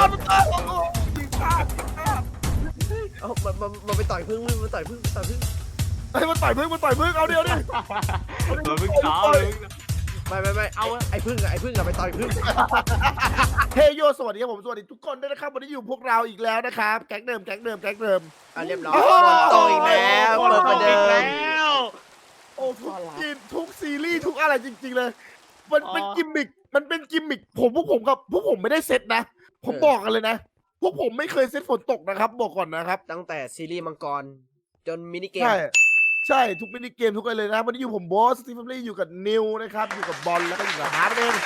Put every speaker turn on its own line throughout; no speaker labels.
ยิงพลาด
เอามันไปต่อยพึ่งมันต่อยพึ่ง
ไอ้มันต่อยพึ่งเอาเดียวดิ
เราเพิ่งซ้อมเลย
ไม่เอาไอ้พึ่งอะไปต่อยพึ่ง
เฮโยสวัสดีครับผมสวัสดีทุกคนด้วยนะครับวันนี้อยู่พวกเราอีกแล้วนะครับแก๊งเดิม
เรียบร้อยฝนตกอีกแล้วเปิดประเดิม
โอ้ทุกซีรีส์ทุกอะไรจริงๆเลยมันเป็นกิมมิคพวกผมไม่ได้เซตนะผมบอกกันเลยนะพวกผมไม่เคยเซตฝนตกนะครับบอกก่อนนะครับ
ตั้งแต่ซีรีส์มังกรจนมินิเกม
ใช่ทุกมินิเกมทุกอะไรเลยนะวันนี้อยู่ผมบอสสตีฟเฟอรี่อยู่กับนิวนะครับอยู่กับบอลแล้วก็อยู่กับฮาร์ดเอง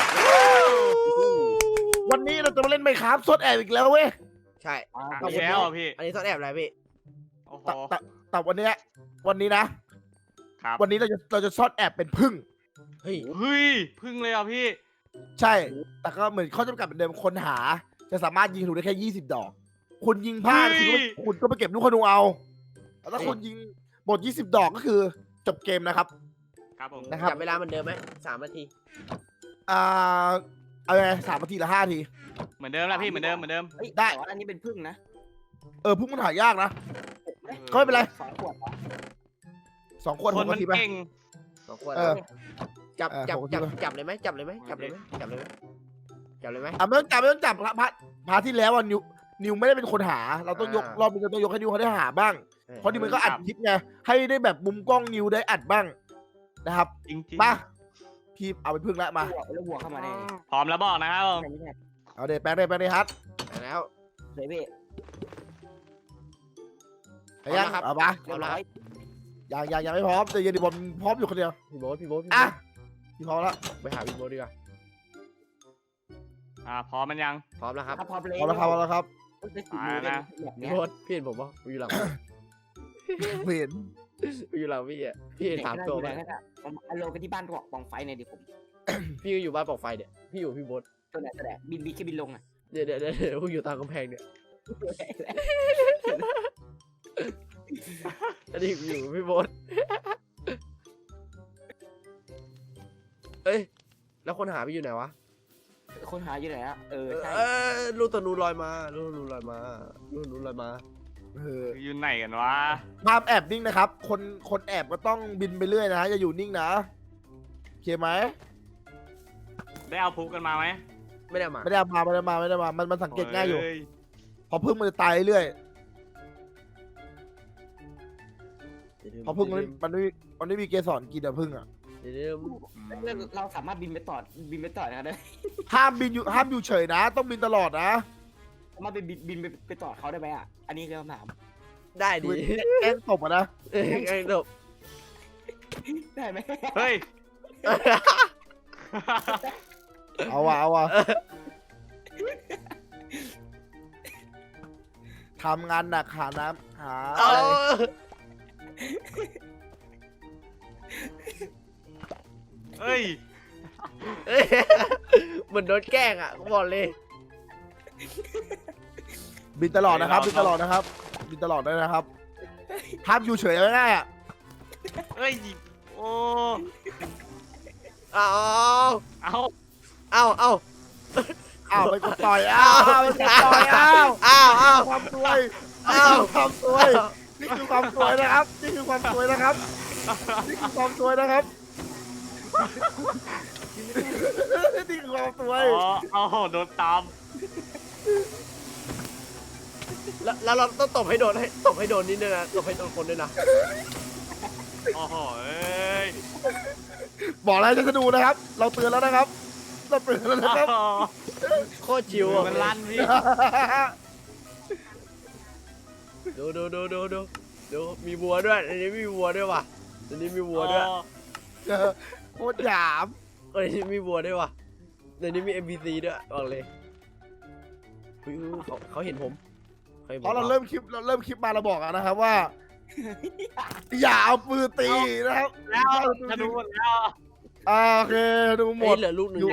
วันนี้เราจะมาเล่นไมค์ครับซดแอบอีกแล้วเว้ย
ใช่
แล้วพี่
อันนี้ซ่อนแอบอะไรพี่
โอ้โห
แต่วันนี้นะครับ วันนี้เราจะซ่อนแอบเป็นพึ่ง
เฮ้ย
พึ่งเลยอ่ะพี่
ใช่แต่ก็เหมือนข้อจำกัดเหมือนเดิมคนหาจะสามารถยิงธนูได้แค่20 ดอกคุณยิงพลาดคุณก็ไปเก็บลูกธนูเอาแล้วถ้าคุณยิงหมด20 ดอกก็คือจบเกมนะครับ
ครับผม
นะครับ
จับเวลาเหมือนเดิมไหม3 นาที
เอาไง3 นาทีละ5 นาที
เหมือนเดิมแล้วพี่เหมือนเดิม
ได้
แต่ว่าอันนี้เป็นพึ่งนะ
พึ่งมันหายากนะ ก็ไม่เป็นไร
2 ขวด
2 ขวด
คน
6
มัน
นาทีไป
เก่ง
2 ขวด
เออ
จับ
ผมคิดว่า
จับเลยไหมจับเลยไหม
ไม่ต้องจับพาที่แล้วอ่ะนิวไม่ได้เป็นคนหา เราต้องยกรอบนี้เราต้องยกให้นิวเขาได้หาบ้างเพราะนิวมันก็อัดคลิปไงให้ได้แบบมุมกล้องนิวได้อัดบ้างนะครับ
จริง
มาพี่เอาไปพึ่งแล้วมา
แล้วหัวเข้ามาได้
พร้อมแล้วบอกนะครับผม
ไม่ใช่
เอาเดี๋ยวแปลงได้ฮัท
แล้ว
เลยพี่
ไปยังเอาปะ
เรียบร้อย
ยังไม่พร้อมแต่เย็นดิบอลพร้อมอยู่คนเดียว
พี่โบ๊ท
อ่ะพี่พร้อมแล้ว
ไปหาพี่โบ๊ทดีกว่า
พร้อมมันยัง
พร้อมแล้วครับ
ถ้าพอเลย
พร้อมแล้วครับ
ได้สิบมือแบบ
พี่
เนี้ย
โบ๊ทพี่เห็นผมปะอยู่หลัง
เห็น
อยู่หลังพี่อ่ะพี่เห็น3 ตัวไหม
ผมเอาลงไปที่บ้านปองไฟเนี่ยดิผม
พี่อยู่บ้านปอกไฟเนี่ยพี่อยู่พี่โบ๊ท
ตัวไหนบินแค่บินลงอ่ะ
เดี๋ยวกูอยู่ตามกำแพงเนี่ยอันนี้อยู่พี่โบ๊ทเอ้ยแล้วคนหาพี่อยู่ไหนวะ
คนหาอยู่ไหนอ่ะใช่
ลูกตะนูลอยมาลูกตะนูลอยมา
อยู่ไหนกันวะ
ภาพแอบนิ่งนะครับคนแอบก็ต้องบินไปเรื่อยนะอย่าอยู่นิ่งนะโอเคไหม
ได้เอาพุกกันมาไหม
ไม่ได้มา
ไม่ได้มามันสังเกตง่ายอยู่
โ
พอพึ่งมันจะตายเรื่อยพอพึ่งมันไม่มีเกสรกินอะพึ่งอะ
เดี๋ยว
เราสามารถบินไปต่อนะครับได้
ห้ามอยู่เฉยนะ ต้องบินตลอดนะ
สามารถบินไปต่อเขาได้ไหมอ่ะอันนี้คือคำถาม
ได้ดิ
แกล้งตบอะนะ
ไอ้ดบ
ได้ไหม
เฮ้ย
เอาว่ะทำงานหนักหาน้ำหา
เอา
เฮ้ย
เหมือนโดนแกล้งอ่ะกูบอกเลย
บินตลอดนะครับบินตลอดด้วยนะครับห้ามอยู่เฉยง่ายๆอะ
เฮ้ยโอ้
เอา
เอา
อ้าวไปกดต่อยความสวยนี่คือความสวยนะครับ นี่คือความสวยนะครับนี่คือความสวย
เอาโดนตาม
แล้วเราต้องตบให้โดนนิดนึงนะตบให้โดนคนด้วยนะ
โอ้โหเอ้ย
บอกอะไรจะดูนะครับ เราเตือนแล้วนะครับเราเตือนแล้วนะครับ
โคตรชิวอ่ะ
มันลั่นพี่
ดูมีวัวด้วยอันนี้มีวัวด้วยว่ะอันนี้มีวัวด้วย
โคตรหยาม
อันนี้มีวัวด้วยว่ะอันนี้มี NPC ด้วยบอกเลยเขาเห็นผม
เพราะเราเริ่มคลิปมาเราบอกนะครับว่า อย่าเอาปืนตีนะครับ
แล้วธนูหมดแล้ว
โอเคดูหมด
เหลือลูกหนึ่ง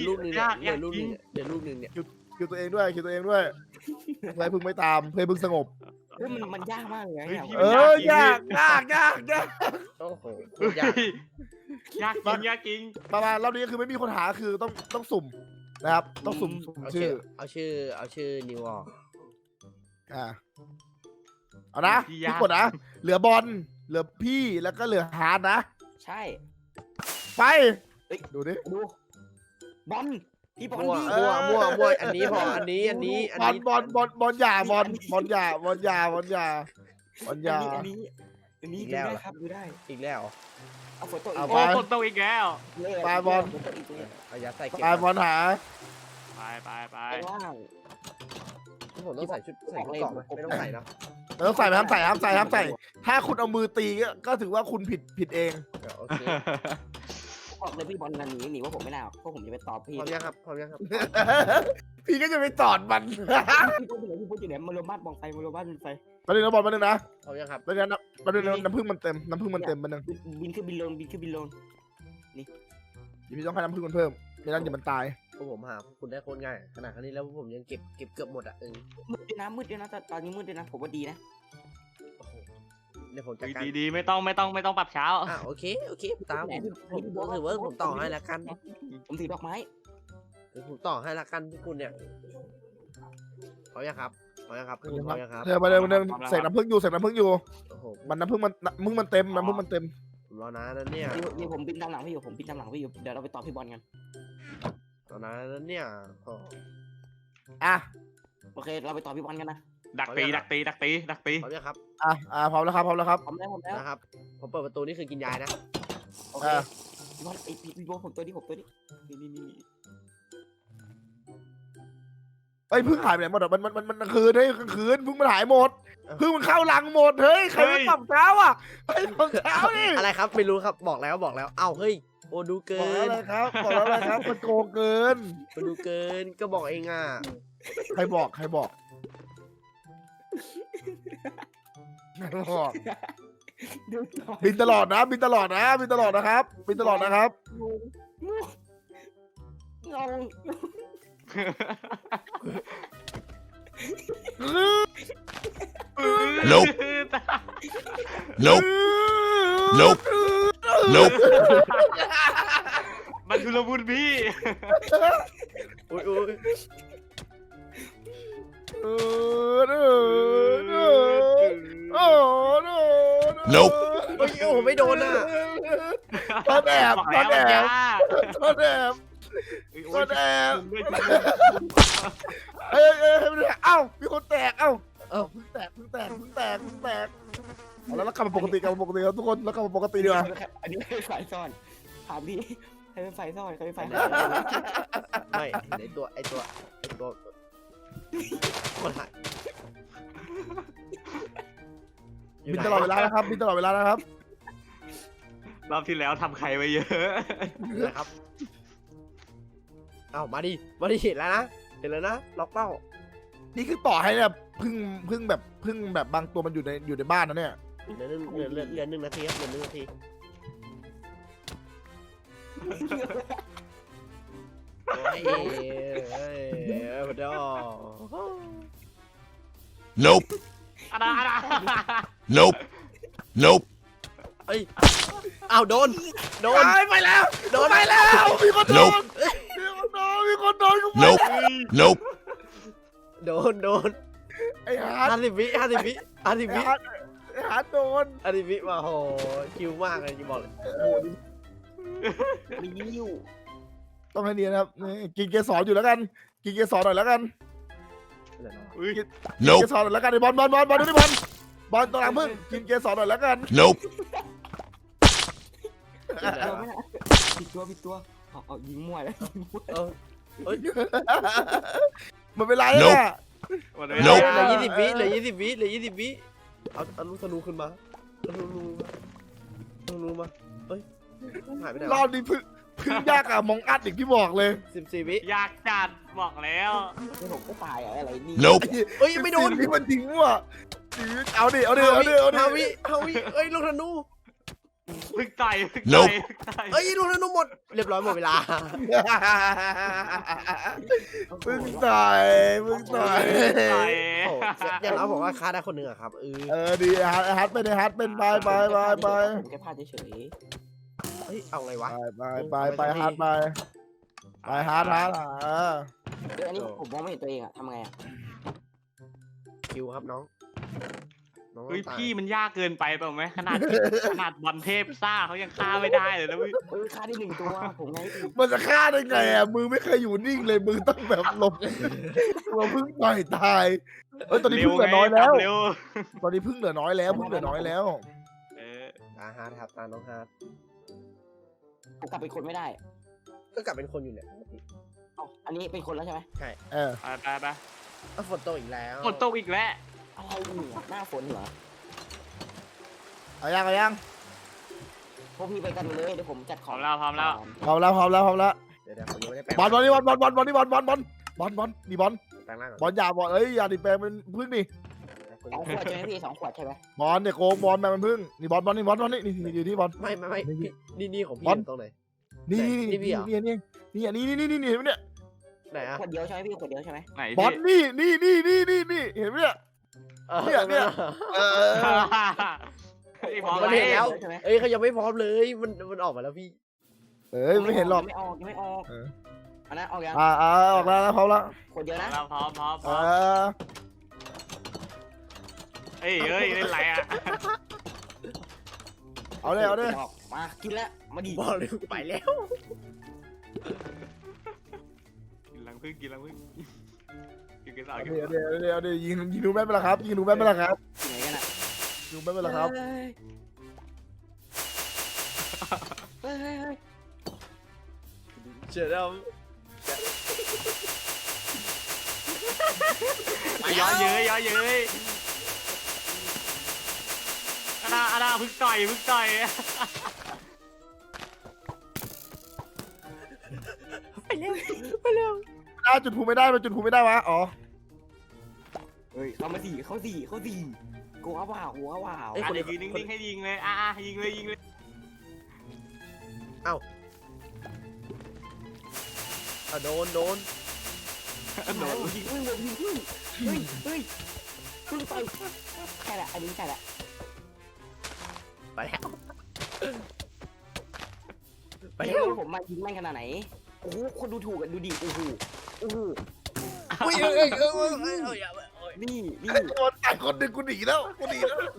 เนี่ย
คิวตัวเองด้วยอะไรพึ่งไม่ตามเพื่อพึ่งสงบ
มันยากมากเลยนะ
ยาก
โอ้โห
ยากจริง
ประมาณรอบนี้คือไม่มีคนหาคือต้องสุ่มนะครับต้องสุ่ม
เอา
ชื่
ชื่
อ
อเอาชื่อนิวออก
เอานะพี่กดนะเหลือบอลเหลือพี่แล้วก็เหลือฮาร์ดนะ
ใช่
ไป
เอ้ย
ดูดิ
ดูบอลพี่บอล
มั่ว
ดิ
มั่วอันนี้พออันนี้
บอลอย่าบอลอย่า
อันนี้ดูได้ครับดูได้
อีกแล้ว
เอาฝนตก
เอา
อีก
โอ้ฝนตกอีกแล้ว
ปลาบอล
ฝนตกอีกแล้ว
เอายาใส่เก็บ
ไปบอลหา
ไป
ไปว่าง
ผมต้องใส่ชุดเกราะไหมไม่ต้องใส่นะ
เราต้องใส่ห้ามใส่ถ้าคุณเอามือตีก็ถือว่าคุณผิดเอง
โอเค
บอกเลยพี่บอลนันหนีว่าผมไม่น่าเพราะผมจะไปตอบพี่
พร้อมยังครับ
พี่ก็จะไปตอดมัน
พี่พูดอยู่ไหนมารวมบ้านบองไฟมารวมบ้านไฟ
มาดึงนะบอลมาดึงนะ
พร้อมยังครับ
แล้วนะมาดึงน้ำผึ้งมันเต็มมาดึง
บินขึ้นบินลงบินขึ้นบินลง
พี่ต้องให้น้ำผึ้งมันเพิ่มไม่งั้นเดี๋ยวมันตาย
พวกผมหาคุณได้โคตรง่ายขนาดนี้แล้วผมยังเก็บเกือบหมดอ่ะ
มืดด้วยนะตอนนี้มืดด้วยนะผมว่าดีนะ
เดี๋ยวผมจัดการ
ดีไม่ต้องปรับเช้า
โอเคตามผมถือว่าผมต่อให้ละกัน
ผมถือดอกไม้
ผมต่อให้ละกันพวกคุณเนี่ยพร้อมยังครับพร้อมยังครับพร้อมยังครับ
เธอมาดึงใส่น้ำผึ้งอยู่
โอ้โห
มันน้ำผึ้งมันเต็มน้ำผึ้งมันเต็ม
ผมรอนะนั่นเนี่ย
นี่ผมบินตามหลังพี่อยู่เดี๋ยวเราไปต่อพี่บอลกัน
รอนะนั่นเนี่ยโอ้
อ่ะ
โอเคเราไปต่อพี่บอลกันนะ
ดักตี
พร้อมยังครับ
พร้อมแล้วครับ
พร้อมแล้ว
นะครับผมเปิดประตูนี่คือกินยายนะ
โอเคพี่บอลพี่บอลผมตัวนี้นี่
เอ้ยพึ่งหายไปไหนหมดอ่ะมันกลางคืนพึ่งมันหายหมดพึ่งมันเข้ารังหมดเฮ้ยใครไม่ปรับเช้าอ่ะเฮ้ยปรับเช้าดิ
อะไรครับไม่รู้ครับบอกแล้วเอ้าเฮ้ยโอ้ดูเกิ
บอกแล้ว
น
อะไรครับมันโกงเกิน
มันดูเกินก็บอกเองอ่ะ
ใครบอกบินตลอดนะครับบินตลอดนะครับ
งง
Nope. Nope. Nope.
มันชุลมุนพี่
อุ้ย
Nope.
โอ้โหไม่โดนอ่ะ
ตอนแอบ
บอกแล้วมันยาก
เอ้ามีคนแตกเอ้าพึ่งแตกแล้วกลับมาปกติครับทุกคนแล้วกลับมาปกติดีกว่า
อันนี้เป็นฝ่ายซ่อนถามพี่ใครเป็นฝ่ายซ่อนใครเป็นฝ่าย
ไม่ไอตัวคนหาย
บินตลอดเวลานะครับ
รอบที่แล้วทำใครไว้เยอะ
นะครับเอ้ามาดิเห็นแล้วนะล็อกเป้า
นี่คือต่อให้เนี่ยพึ่งแบบบางตัวมันอยู่ในบ้านนะเนี่ย
เหลือ1 นาทีครับเหลือ1 นาทีเฮ้ยพอดอ
Nope.
อะไร
Nope. Nope.
เอ้ยอ้าวโดน
ไปแล้ว
โดน
มีคนโดน
Nope.
มีคนโดนกู
Nope. Nope.
โดน
ไอ้ฮาร์ด
50 วิ
ไอ้ฮาร์ดโดน
50 วิมาโหคิวมากเลยจะบอกเลย
รีวิว
ต้องให้เนียนนะครับกินเกสรอยู่แล้วกันกินเกสรหน่อยแล้วกัน
อุ้ย
กินเก
Nope.
สรหน่อยแล้วกันไอ้บอลดูดิบอลตัวหลังพึ่งกินเกสรหน่อยแล้วกัน
Nope.
ผิดตัวเอายิงมั่วแล้ว
มันเป็นไร
Nope.
อ่ะ
หมดเว
Nope.
ลา
เหลือ20 วิเอาลูกธนูขึ้นมาลูกมาเฮ้ยหายไปไหน
รอบนี้พึ่งยากอะมองอัดอีกที่บอกเลย
14 วิ
อยากจัดบอกแล้ว
ผมก็ตายอะไรนี่
Nope.
เอ้ยไม่โดน
ที่มันทิ้งว่ะเอาดิ
ฮาวิเอ้ยลูกธนู
พึ่งต่อย
Nope.
เอ้ยลูกธนูหมดเรียบร้อยหมดเวลา
พึ่งต่อย
ต่อย
โอ้อย่างเราบอกว่าฆ่าได้คนหนึ่งอะครับ
ดีฮัทเป็นไป
ผมแค่พลาดเฉย
เฮ้ยเอาไงวะ
ไปฮัทไปไปฮาร์ด
เดี๋ยวอันนี้ผมมองไม่เห็นตัวเองอะทำไงอะ
คิวครับน้องน้อง
เฮ้ย
ตาย
พี่มันยากเกินไปเปล่าไหมขนาดบอลเทพซ่าเขายังฆ่าไม่ได้เลยนะพี่
ฆ่าได้1 ตัวผมไง
มันจะฆ่าได้ไงอ่ะมือไม่เคยอยู่นิ่งเลยมือต้องแบบหลบเราเพิ่งปล่อยตายตอนนี้
เร็ว
เพิ่งเหลื
ไง
อน้อยแล้ว
เร็ว
ตอนนี้เพิ่งเหลือน้อยแล้วเพิ่งเหลือน้อยแล้ว
เออ
ตาฮาร์ดครับตาน้องฮาร์ด
ผมกลับเป็นคนไม่ได้
ก็กลับเป็นคนอยู่เนี่ย
เอ้าอันนี้เป็นคนแล้วใช่ไหม
ใช่
เออ
ไป
ฝนตกอีกแล้ว
ฝนตกอีกแล้ว
อะไรเนี่ยหน้าฝนเหรอ
เอายัง
พวกพี่ไปกันเลยเดี๋ยวผมจัด
พ
ข
ร้
อ
อง มแล้วพร้อมแล้ว
พร้อมแล้ว
เดี๋ยวผมยังไม่ได้แปลง
บอลนี่บอลนี่บอลนี่บอล
แปลงร่างก่อน
บอลอย่าดิแปลงเป็นพึ่งนี่
2 ขวดใช่ไหมพี่2 ขวดใช่ไหม
บอลเนี่ยโกงบอลแปลงเป็นพึ่งนี่บอลนี่อยู่ที่บอล
ไม่นี่ของพี่
บอล
ตรงไหน
นี่
นี่พี่เหรอ
นี่เนี่ยเห็นไหมเนี่ย
ไหนอะ
ขวดเดียวใช่ไหมพี่ขวดเดียวใช่ไหม
ไหน
บอล
พี่
นี่เห็นไหมเนี่ย เนี่ย เออ
ไอ้พร้อม
มัน
แล้
เห็นแล้ว
ว
ใช่ไหม
เอ้ยเขายังไม่พร้อมเลยมันออกมาแล้วพี่
ไม่เห็นหรอก
ยังไม่ออก
เออ
อันนั้นออกยัง
ออกแล้วพร้อมแล้ว
ขวดเดียวนะ
พร้อม
เออ
เอ้ยเล่นไรอ่ะ
เอาเลย
มากินแล้วมาดี
บอกเลยไปแล้ว
กินลังพึ่งกินกันสาว
เดี๋ยวยิงดูแม่นไปแล้วครับยิงดูแม่นไปแล้วครับ
ที่ไหนกันอ่ะ
ดูแม่นไปแล้วครับ
เฮ้ย
เชื่อแล้ว
ย้อนเย้ยอาณาพึ่งต่อย
จุดภูไม่ได้มันจุดภูไม่ได้วะอ๋อ
เฮ้ยเขาสี่กูเอาว่าหัวว่า
อ่ะเดี๋ยวยืนนิ่งๆให้ยิงเลยยิงเลย
โดน
ยิงพึ่งเฮ้ยพึ่งไปใช่ละอันนี้ใช่ละ
ไปแล้ว
ไปผมมายิงแม่งขนาดไหนโอ้โหคนดูถูกกันดูดิโอ้โหนี่
โดนแต่คนหนึ่งกูหนีแล้ว
หนี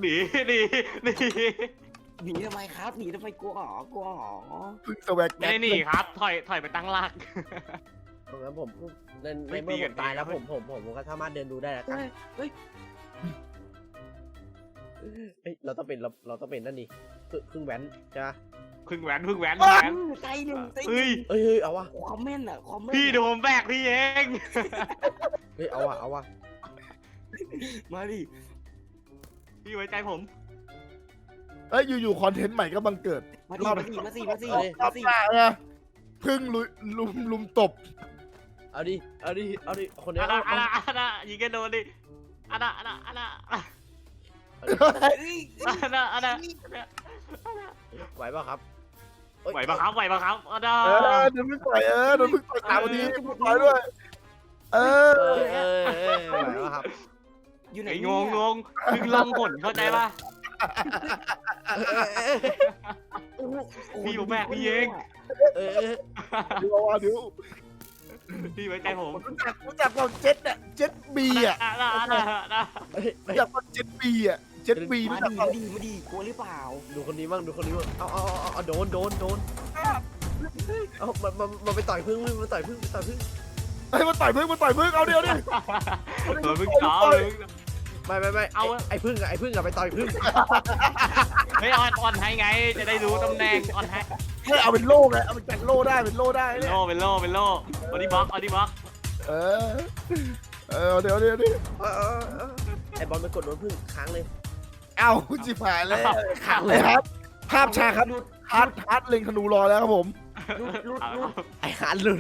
หนีทำไมครับหนีทำไมกลัวหรอ
พึ่งสวัก
ไม่ได้หนีครับ ถอยไปตั้งหลัก
ตรงนั้นผมในเมื่อผมตายแล้วผมก็สามารถเดินดูได้แล้วกันเฮ้ยเราต้องเป็นนั่นนี่พึ่งแว้นใช่ไหม
พึ่งแหวน
ใจหนึ่ง
เฮ้ย
เฮ้ยเอาวะ
คอมเมนต์อ่ะคอมเมนต์
พี่เดี๋ยวผมแบกพี่เอง
เฮ้ยเอาวะ
มาดิ
พี่ไว้ใจผม
อยู่คอนเทนต์ใหม่ก็บังเกิด
มาสิ
รอบหน้าไงพึ่งลุมตบ
เอาดิคนนี้
อายิงกันโดนดิอาณา
ไหวป่ะครับ
ไหวปะครับอาณา
โดนพึ่งต่อยโดนพึ่งต่อยตามวันนี้พึ่งต่อยด้วย
ไหวป่ะครับ
อยู่ไหน
ไอ้งงพึ่งลองผลเข้าใจปะพี่ผมแบกพี่เอง
เออ
เดี๋ยว
พี่ไว้ใจผม
รู้จักเราเจ็ดบีอ่ะ รู้จักว่าเจ็ดบีรู้จัก
มาดิกลัวหรือเปล่า
ดูคนนี้บ้างเอาโดนเอามันไปต่อยพึ่งมันต่อยพึ่ง
มันต่อยพึ่งเอาเดี๋ยว
พึ่งต่อเลย
ไม่เอาไอ้พึ่งไปต่อยพึ่ง
เฮ้ยอ่อนให้ไงจะได้รู้ตำแหน่งอ่อนให้
ให้เอาเป็นโล่ไงเอาเป็นแจ็คโล่ได้เป็นโล่ได้
เป็นโล่บอดี้บล็อก
เดี๋ยว
ไอ้บอลไปกดโดนพึ่งค้างเลย
เอาจิบหายเลยขังเลยครับภาพฉากครับฮาร์ดเล็งธนูรอแล้วครับผม
ลุด
ไอ้หานหลุด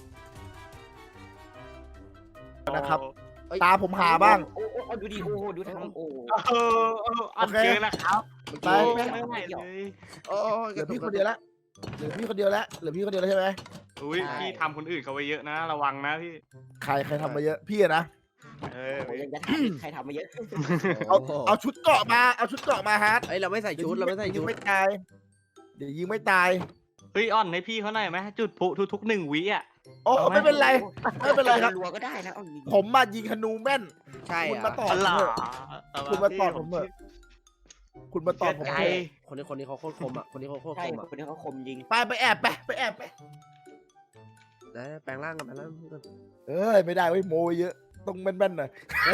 นะครับตาผมหาบ้าง
โอ้ดูดิโอ้ดูทำโอ้
อันเกินแล้วครับ
ไป
ไม่เลย
เหลือพี่คนเดียวแล้วใช่ไหม
อุ้ยพี่ทำคนอื่นเขาไว้เยอะนะ ระวังนะพี่
ใครทำมาเยอะพี่นะ
ยังจะถามใครทำมาเยอะ
เอาชุดเกาะมาฮาร์ด
ไอ้เราไม่ใส่ชุด
ยิงไม่ตายเดี๋ยวยิงไม่ตาย
เฮ้ยอ่อนให้พี่เขาหน่อยไหมจุดพลุทุกๆ1 วิอ่ะ
โอ้
เอาไหม
ไม่เป็นไรไม่เป็นไรครับ
รัวก็ได้นะเอายิง
ผมมายิงธนูแม่น
ใช่
คุณ
อ่ะ
มาตอบ
อะไร
คุณมาตอบผมเถอะคุณมาตอบผม
ใจ
เถอะ
คนนี้เขาโคตรคมอ่ะคนนี้เขาโคตร
ใช่
คมอ่ะ
คนนี้เขาคมยิง
ไปแอบไปแอบไป
ได้แปลงร่างกันแปลงร่าง
เอ้ยไม่ได้เว้ยโมไว้เยอะต้องแม่นๆหน่อย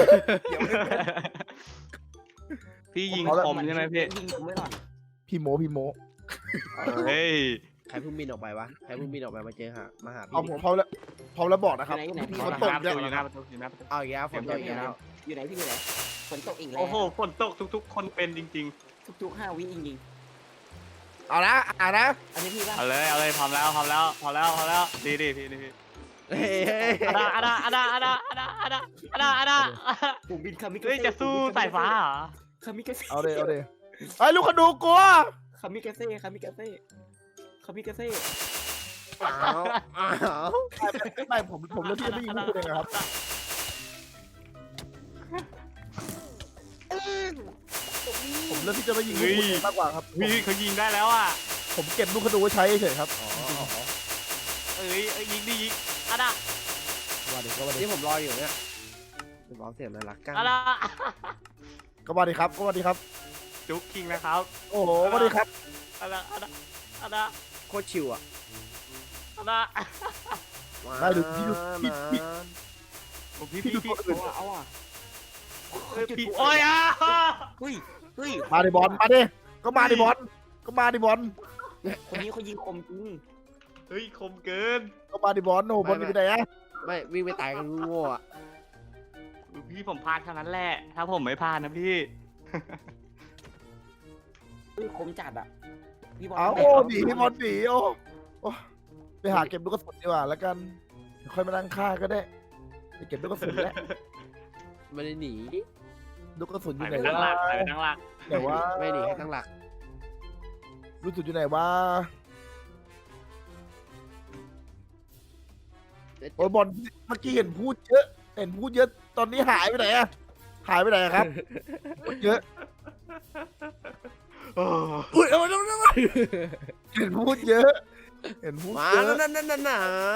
พี่ยิง
เอาละ
คมใช่ไหมพี่
ยิงผมไม่หรอก
พี่โม
เฮ้ย
ใครเพิ่งบินออกไปวะใครเพิ่งบินออกไปมาเจอหามาหา
เอา
พี่
ผมพร้อมแล้วบอกนะครับ
อยู่ไหน
พี่
อ
ฝน
ยู่
ตก
หน้าประ
เย
ตู
อะ
อยู่หน้าประตูอยู่หน้าประตู
เอาอีกแล้วฝนตกอีกแล้ว
อยู่ไหนพี่อยู่ไหนฝนตกอีกแล้ว
โอ้โหฝนตกทุกๆ คนเป็นจริง
ทุกๆ5 วิจริง
เอานะนะ
ๆอันนี้พี่ว่า
ๆ เอาเลยพร้อมแล้วดีพี่
เฮ้ย
ผมบินคามิ
เฮ้ยจะสู้สายฟ้าเหรอ
คามิกาเซ่
เอาเลยไอ้ลูกขนูกลัว
คามิกาเซ่คามิกาเซ่คามิกาเซ่
อ้าว
ไม่ผมเลือกที่จะไม่ยิงพวกคุณเองครับผมเลือกที่จะไม่ยิงพวกคุณเองมากกว่าครับ
พี่เขายิงได้แล้วอ่ะ
ผมเก็บลูกขนูไว้ใช้เฉยครับ
เอ้ยยิงดิยิงอะดะ
ว่าดิก็ว่าดิ
นี่ผมรออยู่เนี่ยผมรอเสียงน่ารักกัน
อะดะ
ก็ว่าดิครับก็ว่าดิครับ
จุ๊กคิงนะครับ
โอ้โหว่าดิครับ
อะดะอะดะ
โคตรชิวอ่ะ
อะดะ
ได้ดูพี่ดูพี่
พี่
เอาอ่ะ
พี่โอ้ยอ่ะ
เฮ้ยเฮ้ย
มาดิบอลมาดิก็มาดิบอลก็มาดิบอล
คนนี้เขายิงคมจริง
เฮ้ยคมเกิน
ก็มาดิบอลโอ้บอลอยู่ไหนอะ
ไม่วิ่งไปตายกันโง่อ่ะ
พี่ผมพลาดเท่านั้นแหละ ถ้าผมไม่พลาดนะพี่
เฮ้ยคมจัดอ่ะพี่บอล
เอาโอ้หนีบอลหนีโอ้ไปหาเก็บลูกกระสุนดีกว่าแล้วกันค่อยมานั่งฆ่าก็ได้ไปเก็บลูกกระสุนแล้ว
ไม่ได้หนี
ลูกกระสุนอ
ไป
ยู่ไหน
ตั้งหลักไปตั้งหลัก
แต่ว่า
ไม่หนีแค่ตั้งหลัก
ลูกกระสุนอยู่ไหนวะโอ้ยบอลเมื่อกี้เห็นพูดเยอะตอนนี้หายไปไหนอะหายไปไหนอะครับพูดเยอะ
โอ้
อุ้ยเอา
เห็นพูดเยอะเห็นพูด
มา
เยอะ
นั่น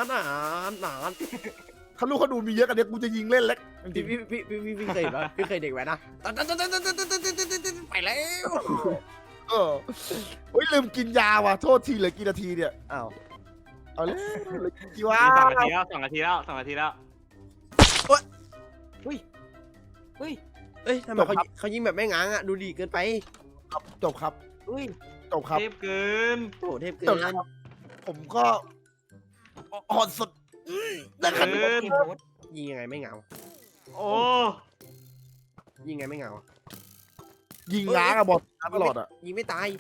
ถ้าลูกเขาดูมีเยอะกันเนี้ยกูจะยิงเล่นเล็กจริง
พี่เคยเห็นปะพี่เคยเด็กแว้นนะไปแล้ว
ๆโอ้ยลืมกินยาว่ะโทษทีเหลือกี่นาทีเนี่ยอ้าวเอาเลยเหลือกี่วะ
2 นาทีแล้ว
เฮ้ย
เอ้ยทำไมเขายิงแบบไม่ง้างอ่ะดูดีเกินไป
ครับจบครับ
เฮ้ย
จบครับ
เทพเกิน
โอ้เทพเกิ
จบ
น
ครับผมก็อ่อนสุดได้ขนาด
เกิน
เกมโหด
ยิงยังไงไม่เงา
โอ้
ยิงไงไม่เงา
ยิงง้างอะบอลตลอดอะ
ยิงไม่ตาย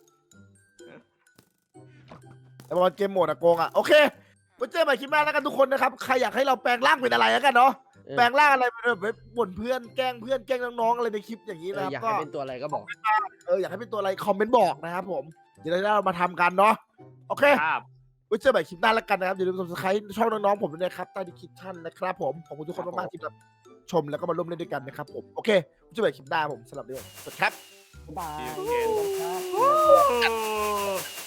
แต่บอลเกมโหมดอะโกงอะโอเคไว้เจอกันใหม่คลิปหน้าแล้วกันทุกคนนะครับใครอยากให้เราแปลงร่างเป็นอะไรแล้วกันเนาะแปลงร่างอะไรเป็นแบบบ่นเพื่อนแกล้งเพื่อนแกล้งน้องๆอะไรในคลิปอย่างนี้นะครับ
อยาก
ก็
ให้เป็นตัวอะไรก็บอก
อยากให้เป็นตัวอะไรคอมเมนต์บอกนะครับผมเดี๋ยวเรามาทำกันเนาะโอเค
ครับ
ไว้เจอกันใหม่คลิปหน้าแล้วกันนะครับอย่าลืม subscribe ช่องน้องๆผมด้วยนะครับใต้ดีคริปชั่นนะครับผมขอบคุณทุกคนมากๆที่แบบชมแล้วก็มาร่วมเล่นด้วยกันนะครับผมโอเคไว้เจอกันใหม่คลิปหน้าผมสำหรับเรื่องสวัสดีครับ
บ๊ายบาย
เกม
ครับ
โอ้